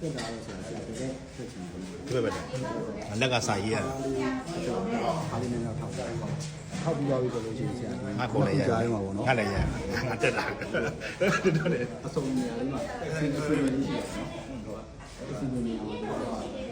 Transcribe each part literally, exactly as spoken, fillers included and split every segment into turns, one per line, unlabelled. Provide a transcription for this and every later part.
တက်တာလို့ဆိုတာကြာတဲ့ဆက်ချင်တယ်
တွေ့ပါတော့လက်ကစာရေးရ
အားလေးနဲ့တော့ထောက်ကြတယ်ထောက်ပြီးတော့ပြီးဆိုလို့ရှိရင်ဆရာဒီ
ငါခေါ်လိုက်ရ
ကြားရမှာပေါ့နော်
ငါလည်းရငါတက်တာတော်တယ်
အစုံနေရာလေးမှာအစီအစဉ်လေးရှိတယ်နော်အစီအစဉ်လေးကိုတော့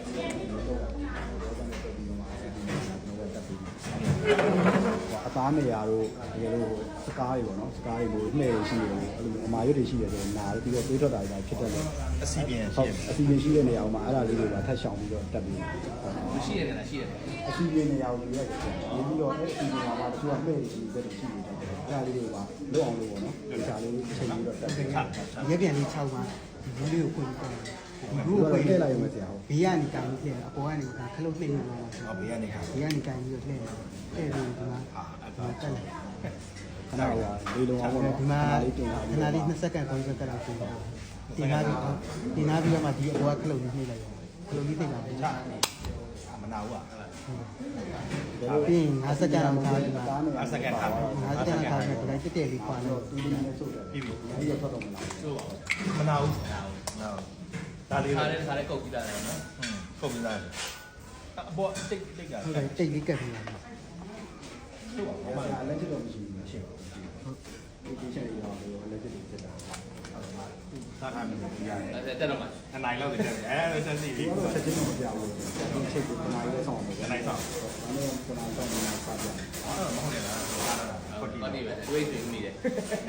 အသားနေရာတို့တကယ်လို့စကားတွေပေါ့နော်စကားတွေလို့နှဲ့ရှိတယ်အဲ့လိုအမာရွတ်တွေရှိတယ်ဆိုတော့နားပြီးတော့တွေးထွက်တာတွေဖြစ်တတ်တယ်
အစီပြန်
ဟု
ရှိ
တ်အစီအစဉ်ရှိတဲ့နေရာမှာအဲ့ဒါလေးတွေကထပ်ရှောင်ပြီးတော့တက်ပြီး
မရှိရတယ်လားရှိရတယ်
အစီအစဉ်နေရာကိုရွေးရတယ်နေပြီးတော့အဲ့ဒီနေရာမှာတချို့ကနှဲ့ရှိတဲ့ရှိနေတယ်အဲ့ဒါလေးတွေကလွတ်အောင်လို့ပေါ့နော်ဒီစာလေးချိန်ပြီးတော့တက်ပြီး
ရဲပြန်လေး၆ပါးဒီလူကိုခွင့်ပြတယ်ဒီလူ
ဘူး
ကို
ကို
ခွင့်
ထ
ပြ
ည့်
လို
လိုက်ရမယ်ဆရာဟုတ်
ဘေးကနေကန်ပြီးလှည့်အပေါ်ကနေကန်ခလုတ်လှည့်နေမှာ
ဟောဘေးကနေခါ
ဘေးကနေကန်ပြီးတော့လှည့်လှည့်ပြီးဒီမှာ
အာအဲ့
ဒီမှာတက်လိုက်
ခဏကလေးလုံးအောင်ပေါ့နော်
ဒီမှာ
လေးတင်လာ
ခဏလေးနှစ်စက္ကန့်၃စက္ကန့်လောက်တင်တာတင်လာပြီးတင်လာပြီးတော့မှဒီအပေါ်ကခလုတ်လေးနှိမ့်လိုက်ရတယ်ခလုတ်လေးနှိမ့်လာပြီး
မနာဘူးอ่ะ
ပြီးရင်၅စက္ကန့်လောက်ထားပြီးမှ
အစကန်ထား
၅စက္ကန့်လောက်ထားပြီးဒီလိုက်တက်တက်လေးခွာလို့
ဒီလေးနဲ့စုတ်တယ်
ပြီးပြီ
အဲ့ဒီတော့တော့မလား
မနာဘူးနာဒါလေး
ခါလေးခါလေးကုတ်ကြည့်လာတယ်နော်
ဟုတ်ပြီလားအပေါ်တိတ်တိတ်က
ဟုတ်တယ်တိတ်လေးကတ်ပြီးလာတယ်
ဟုတ်ပါဘူးလက်ချတော့မရှိဘူးမရှိဘူးဟုတ်ဒီချက်ရောလက်ချက်တွေဖြစ်တာ
စားထားပြီရတယ်
အဲ့တက်တော့မှ
အနိုင်လောက်တက်တယ်အဲဆက်စီပြီ
တော့ချက်ချင်းမပြဘူးဒီချက်ကိုခဏလေးဆောင်အောင်
အနိုင်ဆောင်
ဒါနဲ့ခဏဆောင်နေတာစပြတယ်
အော်မဟုတ်လေလားစားတာ
ဟုတ်
ဟုတ်
ပါ
ပြီ
နေပဲတွေးတွေးမိတယ်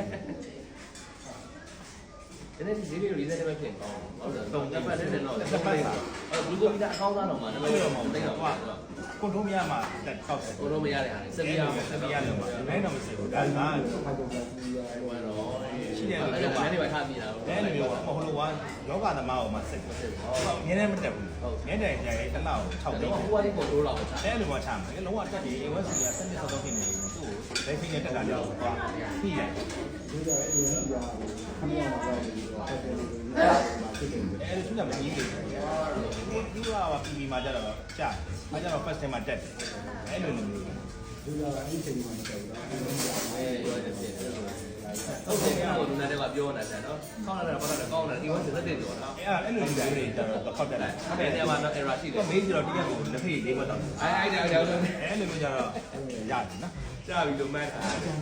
ဒီနေ့ဒီလေးကိုလေးစက်ပဲဖြစ်အောင်ဟုတ်တယ်တော့တက်ပတ်တဲ့တော့တက်ပတ်တာအဲ့ဘူကိုမီတာအကောင်းသားတော့မှနံပါတ်တော့မဟုတ်တော့ကွာ
ကွန်ထရိုးမရမှာတက်တောက်တယ်
ကိုတော့မရတဲ့ဟာစက်ပြရအောင်စက်ပြရအောင်
ဒီနေ့တော့မစစ်ဘူးဒါက
ဖိုက်တော့ဒီရ
ဟိုကတော့
ရှိတယ်
အဲ့
လို့
ဒါ
ပြောပါ
လည်းနေပါထားပြီးတာ
အဲ့လိုမျိုးမဟုတ်လို့ကယောဂသမားကိုမှစစ်စစ်ဟုတ်ငင်းနေမတက်ဘူးငင်းတယ်ကြရဲတစ်လောက်၆သိန်း
တော့ဟိုကလေးကိုတိုးတော့ချာ
အဲ့လိုမှချမှာလေလုံးဝတက်ပြီး A one C ကစနစ်ဆောက်တော့ဖြစ်နေတယ်သူ့ကိုလက်ဖိနဲ့တက်တာကြောက်သွားပြီးတယ်
ဒီကြအဲ့ဒီရခဏမှတော့ပြီးတော့တက်တယ်လို့ဖြစ်တယ်
အဲ့လိုသူကမကြီးသေးဘူးသူကပါပီပီမှာကြတော့ကြာအဲကြတော့ first time မှာတက်တယ်အဲ့လိုမျိုး
ဒီကအဲ့ဒီချိန်မှာမတက်ဘူးတော့
အဲရောတယ်ဖြစ်တယ်ဟုတ်တယ်ကတော့လူနာတွေကပြောနေတာနော်ခေါင်းလာတာပတ်တာကောင်းတယ်ဒီဝတ်စက်တဲ့ကျော်နော်
အဲ့အဲ့လိုမျိုးတွေကြတော့ခောက်တက်တယ်
အဲ့ဒီနေရာမှာတော့ error ရှိတယ်
သူမေးကြတော့တရားကိုလက်ဖိလေးဘက်တော့
အဲအဲ့ဒါကြောင့်လည်း
အဲ့လိုမျိုးကြတော့ရတယ်နော်
ကြာပြီလို့မှတ်တာ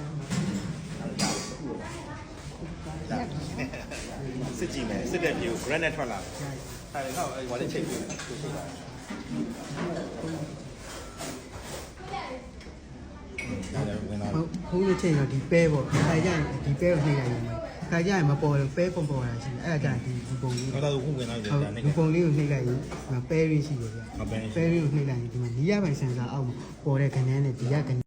စစ်ကြည့်မယ်စစ်တဲ့ပြေကို granite ထွက်လာတယ်အဲ့ဒါတော့ဟိုလည်းချိန်ပြီးတယ်ဝင်လာ
ဟုတ်ခုံးလို့ချိန်တော့ဒီပဲပေါ့ခါကြရင်ဒီပဲကိုနှိမ့်လိုက်ရင်ခါကြရင်မပေါ်ဘူးပဲပုံပေါ်လာရှိတယ်အဲ့ဒါကြရင်ဒီပုံလေး
တော့တော့ခုဝင်လာတယ်
ဟုတ်
ဒါနဲ့
ဒီပုံလေးကိုနှိမ့်လိုက်ရင်ပဲရင်းရှိတယ်ဗျ
ဟုတ်ပဲ
ပဲရင်းကိုနှိမ့်လိုက်ရင်ဒီမှာနီးရပိုင်ဆန်စာအောက်မှာပေါ်တဲ့ခဏန်းနဲ့ဒီကခဏ